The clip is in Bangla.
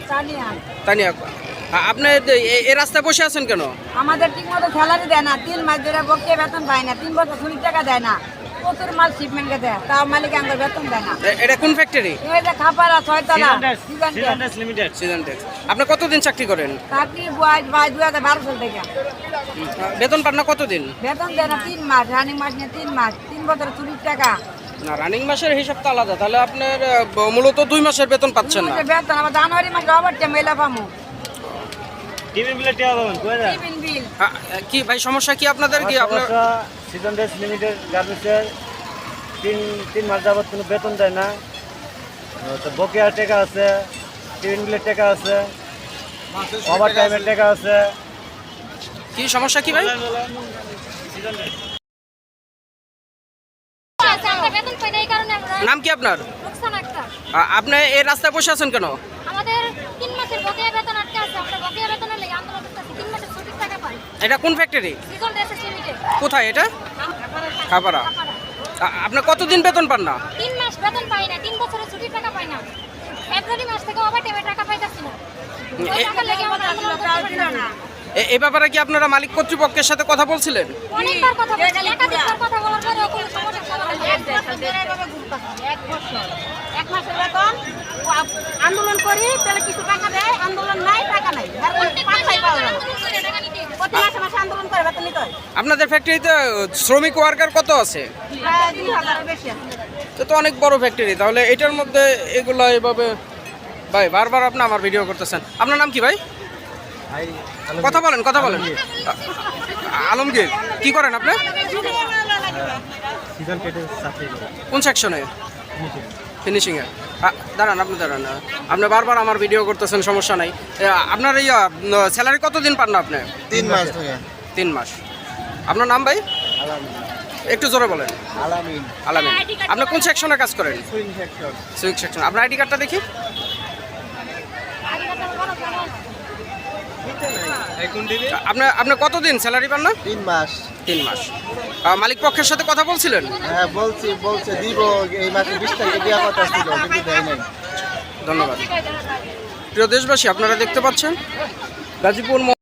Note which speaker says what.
Speaker 1: তানিয়া, আপনি এই রাস্তায় বসে আছেন কেন?
Speaker 2: আমাদের ঠিক মতো স্যালারি দেয় না, 3 মাস ধরে বকে বেতন পায় না, 3 বছর ছুটির টাকা দেয় না, প্রচুর মাল শিপমেন্টকে দেয়, তাও মালিক আমাদের বেতন দেয় না।
Speaker 1: এটা কোন ফ্যাক্টরি?
Speaker 2: এই যে খাপাড়া 6 তলা
Speaker 1: লিমিটেড। সিজনটেক্স। আপনি কতদিন চাকরি করেন?
Speaker 2: চাকরি বয় 2012 সাল থেকে।
Speaker 1: বেতন পান না কতদিন?
Speaker 2: বেতন দেয় না 3 মাস, রানিং মাস নিয়ে 3 মাস, 3 বছর ছুটির টাকা।
Speaker 1: না, রানিং মাসের হিসাব তো আলাদা, তাহলে আপনার মূলত 2 মাসের বেতন পাচ্ছেন না।
Speaker 2: বেতন আমার জানুয়ারি মাসে ওভার টাইম এলা পামু।
Speaker 3: টিভি বিলে টিয়া পাবেন কই না?
Speaker 2: Tiffin bill.
Speaker 1: কি ভাই সমস্যা কি আপনাদের? কি আপনার
Speaker 3: সিজনটেক্স লিমিটেড গার্মেন্টসের 3 মাস যাবত কোনো বেতন দেয় না, তো বকেয়া টাকা আছে, টিভি বিলের টাকা আছে, ওভার টাইমের টাকা আছে।
Speaker 1: কি সমস্যা কি ভাই? নাম কি আপনার? আপনি এই রাস্তায় বসে আছেন কেন?
Speaker 4: আমাদের 3 মাসের বকেয়া বেতন আটকে আছে, আমরা বকেয়া বেতনের লাগি আন্দোলন করতেছি, 3 মাসের ছুটির টাকা পাই।
Speaker 1: এটা কোন ফ্যাক্টরি?
Speaker 4: সিজনটেক্স লিমিটেড।
Speaker 1: কোথায় এটা? খাপাড়া। আপনি কতদিন বেতন পান না?
Speaker 4: 3 মাস বেতন পাই না, 3 বছরের ছুটির টাকা পাই না। ফেব্রুয়ারি মাস থেকে ওভার টাইমের টাকা পাইতাছি না। ওই টাকা লাগি আমরা আন্দোলন করতে পারি না।
Speaker 1: এই ব্যাপারে কি আপনারা মালিক কর্তৃপক্ষের সাথে কথা বলছিলেন?
Speaker 4: অনেকবার কথা বলছি, একাধিকবার কথা বলার পরেও কোনো সমস্যা সমাধান হয় না।
Speaker 2: 1 মাসের বেতন আন্দোলন করি, তাহলে কিছু টাকা দেয়, আন্দোলন নাই টাকা নাই। প্রতি মাসে মাসে আন্দোলন করে বেতন নিতে হয়।
Speaker 1: আপনাদের ফ্যাক্টরিতে শ্রমিক ওয়ার্কার কত আছে?
Speaker 2: প্রায় 2000 বেশি আছে।
Speaker 1: তো অনেক বড় ফ্যাক্টরি, তাহলে এটার মধ্যে এগুলো এভাবে ভাই বারবার আপনি আমার ভিডিও করতেছেন। আপনার নাম কি ভাই? কথা বলেন, কথা বলেন। আলমগীর, কি করেন আপনি? কোন সেকশনে? ফিনিশিং এ। দাঁড়ান, আপনি দাঁড়ান, আপনি বারবার আমার ভিডিও করতেছেন, সমস্যা নাই। আপনার এই স্যালারি কতদিন পান না আপনি?
Speaker 5: 3 মাস থেকে।
Speaker 1: 3 মাস। আপনার নাম ভাই? একটু জোরে বলেন।
Speaker 5: আলামিন।
Speaker 1: আলামিন। আপনি কোন সেকশনে কাজ করেন?
Speaker 5: Swing sector.
Speaker 1: Swing section. আপনার আইডি কার্ডটা দেখি। আপনি কতদিন স্যালারি পান না?
Speaker 5: 3 মাস।
Speaker 1: 3 মাস। মালিক পক্ষের সাথে কথা বলছিলেন?
Speaker 5: হ্যাঁ বলছে দিব, এই মাসে 20 তারিখে দেওয়ার কথা ছিল, কিন্তু দেয় নাই।
Speaker 1: ধন্যবাদ। প্রিয় দেশবাসী, আপনারা দেখতে পাচ্ছেন গাজীপুর